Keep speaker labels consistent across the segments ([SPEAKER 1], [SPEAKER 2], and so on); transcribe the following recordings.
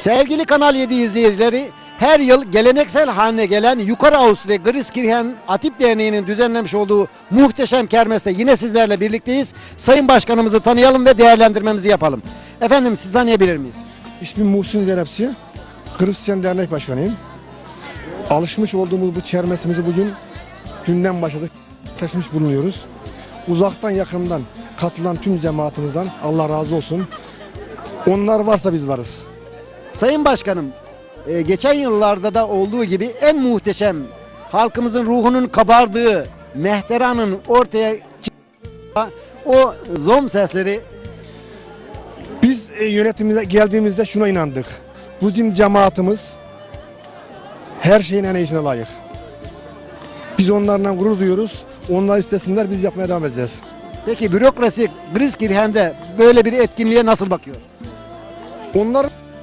[SPEAKER 1] Sevgili Kanal 7 izleyicileri, her yıl geleneksel haline gelen Yukarı Avusturya Griskirchen Atip Derneği'nin düzenlemiş olduğu muhteşem kermeste yine sizlerle birlikteyiz. Sayın Başkanımızı tanıyalım ve değerlendirmemizi yapalım. Efendim, sizi tanıyabilir miyiz?
[SPEAKER 2] İsmim Muhsin Zeynepçi, Hristiyan Dernek Başkanıyım. Alışmış olduğumuz bu kermesimizi bugün dünden başladık, taşımış bulunuyoruz. Uzaktan yakından katılan tüm cemaatimizden Allah razı olsun. Onlar varsa biz varız.
[SPEAKER 1] Sayın Başkanım, geçen yıllarda da olduğu gibi en muhteşem, halkımızın ruhunun kabardığı, mehteranın ortaya çıktığı o zom sesleri.
[SPEAKER 2] Biz yönetimimize geldiğimizde şuna inandık. Bizim cemaatimiz her şeyin en iyisine layık. Biz onlarla gurur duyuyoruz. Onlar istesinler, biz yapmaya devam edeceğiz.
[SPEAKER 1] Peki bürokrasi Griskirchen'de böyle bir etkinliğe nasıl bakıyor?
[SPEAKER 2] Onlar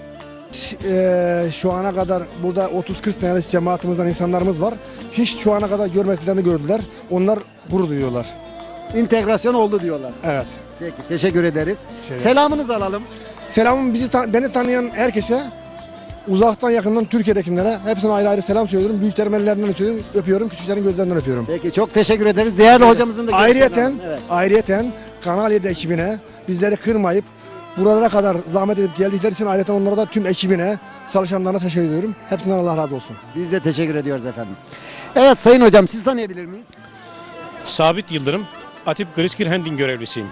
[SPEAKER 2] şu ana kadar burada 30-40 senelik cemaatimizden insanlarımız var. Hiç şu ana kadar görmediklerini gördüler. Onlar gurur duyuyorlar.
[SPEAKER 1] İntegrasyon oldu diyorlar.
[SPEAKER 2] Evet.
[SPEAKER 1] Peki, teşekkür ederiz.
[SPEAKER 2] Şey-
[SPEAKER 1] Selamınızı alalım.
[SPEAKER 2] Selamım beni tanıyan herkese, uzaktan yakından Türkiye'dekilere hepsine ayrı ayrı selam söylüyorum. Büyüklerin ellerinden öpüyorum, küçüklerin gözlerinden öpüyorum.
[SPEAKER 1] Peki, çok teşekkür ederiz. Değerli hocamızın da görüşlerini alalım. Evet.
[SPEAKER 2] Ayrıyeten Kanal 7 ekibine bizleri kırmayıp buralara kadar zahmet edip geldikleri için ayrıca onlara da tüm ekibine, çalışanlarına teşekkür ediyorum. Hepsinden Allah razı olsun.
[SPEAKER 1] Biz de teşekkür ediyoruz efendim. Evet Sayın Hocam, sizi tanıyabilir miyiz?
[SPEAKER 3] Sabit Yıldırım, Atip Griskirchen görevlisiyim.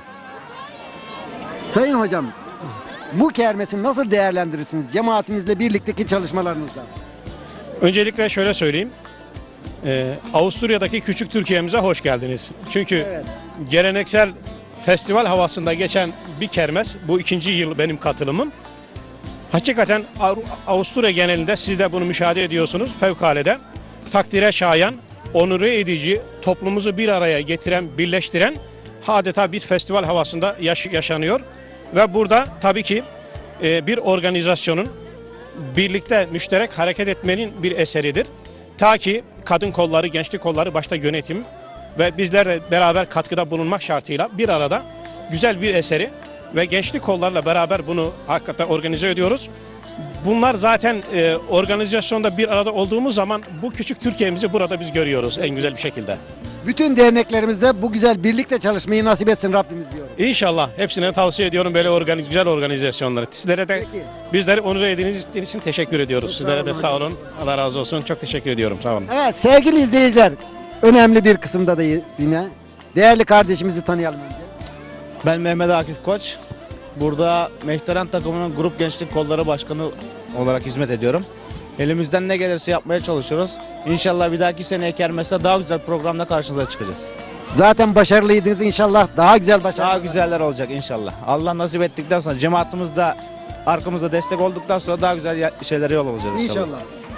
[SPEAKER 1] Sayın Hocam, bu kermesi nasıl değerlendirirsiniz cemaatimizle birlikteki çalışmalarınızda?
[SPEAKER 3] Öncelikle şöyle söyleyeyim. Avusturya'daki küçük Türkiye'mize hoş geldiniz. Çünkü
[SPEAKER 1] Evet.
[SPEAKER 3] geleneksel festival havasında geçen bir kermes, bu 2. yıl benim katılımım. Hakikaten Avusturya genelinde siz de bunu müşahede ediyorsunuz. Fevkalade takdire şayan, onure edici, toplumumuzu bir araya getiren, birleştiren adeta bir festival havasında yaşanıyor. Ve burada tabii ki bir organizasyonun birlikte müşterek hareket etmenin bir eseridir. Ta ki kadın kolları, gençlik kolları, başta yönetim ve bizler de beraber katkıda bulunmak şartıyla bir arada güzel bir eseri ve gençlik kollarla beraber bunu hakikaten organize ediyoruz. Bunlar zaten organizasyonda bir arada olduğumuz zaman bu küçük Türkiye'mizi burada biz görüyoruz en güzel bir şekilde.
[SPEAKER 1] Bütün derneklerimizde bu güzel birlikte çalışmayı nasip etsin Rabbimiz diyorum.
[SPEAKER 3] İnşallah hepsine tavsiye ediyorum böyle güzel organizasyonları. Sizlere de
[SPEAKER 1] Peki.
[SPEAKER 3] bizleri onur ettiğiniz için teşekkür ediyoruz.
[SPEAKER 1] Çok
[SPEAKER 3] Sizlere
[SPEAKER 1] sağ
[SPEAKER 3] de
[SPEAKER 1] olun
[SPEAKER 3] sağ
[SPEAKER 1] hocam.
[SPEAKER 3] olun. Allah razı olsun. Çok teşekkür ediyorum. Sağ olun.
[SPEAKER 1] Evet sevgili izleyiciler, önemli bir kısımda da yine değerli kardeşimizi tanıyalım önce.
[SPEAKER 4] Ben Mehmet Akif Koç. Burada Mehteran takımının grup gençlik kolları başkanı olarak hizmet ediyorum. Elimizden ne gelirse yapmaya çalışıyoruz. İnşallah bir dahaki seneye kermeste daha güzel programla karşınıza çıkacağız.
[SPEAKER 1] Zaten başarılıydınız, inşallah daha güzel başarılar.
[SPEAKER 4] Daha güzeller olacak inşallah. Allah nasip ettikten sonra cemaatimiz de arkamızda destek olduktan sonra daha güzel şeylere yol olacağız inşallah.
[SPEAKER 1] İnşallah.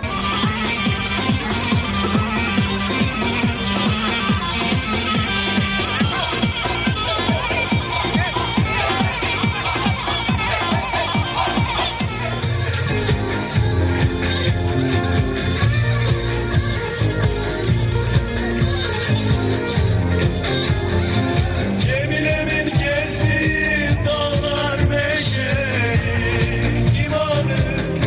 [SPEAKER 5] Cemile'min gezdiği dağlar meşeli imanı.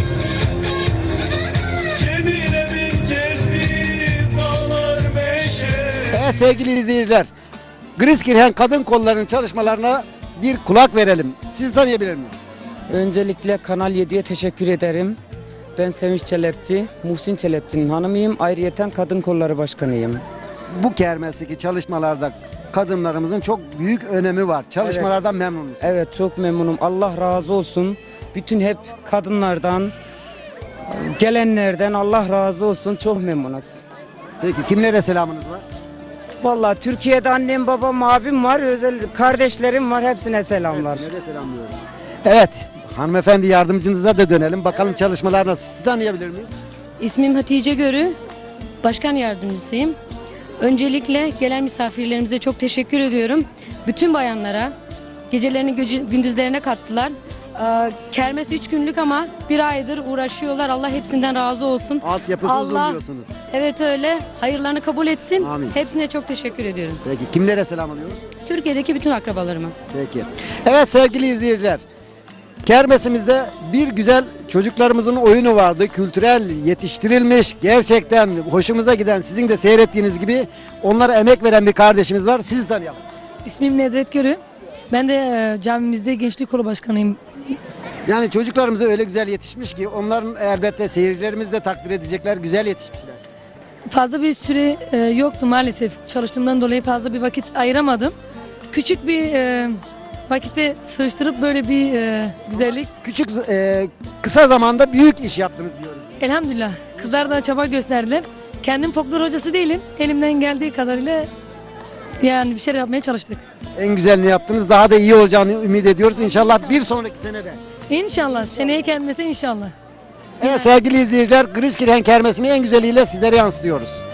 [SPEAKER 5] Cemile'min gezdiği dağlar meşeli.
[SPEAKER 1] Evet sevgili izleyiciler, Griskirchen kadın kollarının çalışmalarına bir kulak verelim. Sizi tanıyabilir miyiz?
[SPEAKER 6] Öncelikle Kanal 7'ye teşekkür ederim. Ben Sevinç Çelepçi, Muhsin Çelepçi'nin hanımıyım. Ayrıyeten Kadın Kolları Başkanıyım.
[SPEAKER 1] Bu kermesteki çalışmalarda kadınlarımızın çok büyük önemi var. Çalışmalardan memnunuz.
[SPEAKER 6] Evet, çok memnunum. Allah razı olsun. Bütün hep kadınlardan, gelenlerden Allah razı olsun. Çok memnunuz.
[SPEAKER 1] Peki kimlere selamınız var?
[SPEAKER 6] Vallahi Türkiye'de annem, babam, abim var. Özel kardeşlerim var. Hepsine selamlar.
[SPEAKER 1] Hepsine de selamlıyoruz. Evet, hanımefendi yardımcınıza da dönelim. Bakalım çalışmalar nasıl? Sizi tanıyabilir miyiz?
[SPEAKER 7] İsmim Hatice Görü, başkan yardımcısıyım. Öncelikle gelen misafirlerimize çok teşekkür ediyorum. Bütün bayanlara, gecelerini gündüzlerine kattılar. Kermes 3 günlük ama bir aydır uğraşıyorlar. Allah hepsinden razı olsun.
[SPEAKER 1] Altyapısı uzun
[SPEAKER 7] Allah-
[SPEAKER 1] diyorsunuz.
[SPEAKER 7] Evet öyle. Hayırlarını kabul etsin.
[SPEAKER 1] Amin.
[SPEAKER 7] Hepsine çok teşekkür ediyorum.
[SPEAKER 1] Peki kimlere selam alıyoruz?
[SPEAKER 7] Türkiye'deki bütün akrabalarıma.
[SPEAKER 1] Peki. Evet sevgili izleyiciler. Kermesimizde bir güzel çocuklarımızın oyunu vardı. Kültürel yetiştirilmiş, gerçekten hoşumuza giden, sizin de seyrettiğiniz gibi onlara emek veren bir kardeşimiz var. Sizi tanıyalım.
[SPEAKER 8] İsmim Nedret Görü. Ben de camimizde gençlik kolu başkanıyım.
[SPEAKER 1] Yani çocuklarımıza öyle güzel yetişmiş ki onların elbette seyircilerimiz de takdir edecekler. Güzel yetişmişler.
[SPEAKER 8] Fazla bir süre yoktu maalesef. Çalıştığımdan dolayı fazla bir vakit ayıramadım. Küçük bir vakitte sığıştırıp böyle bir güzellik.
[SPEAKER 1] Küçük, kısa zamanda büyük iş yaptınız diyoruz.
[SPEAKER 8] Elhamdülillah. Kızlar da çaba gösterdiler. Kendim folklor hocası değilim. Elimden geldiği kadarıyla yani bir şeyler yapmaya çalıştık.
[SPEAKER 1] En güzelini yaptınız. Daha da iyi olacağını ümit ediyoruz. İnşallah bir sonraki senede.
[SPEAKER 8] İnşallah. Seneye gelmese inşallah.
[SPEAKER 1] Evet sevgili izleyiciler, Griskirchen Kermesi'ni en güzeliyle sizlere yansıtıyoruz.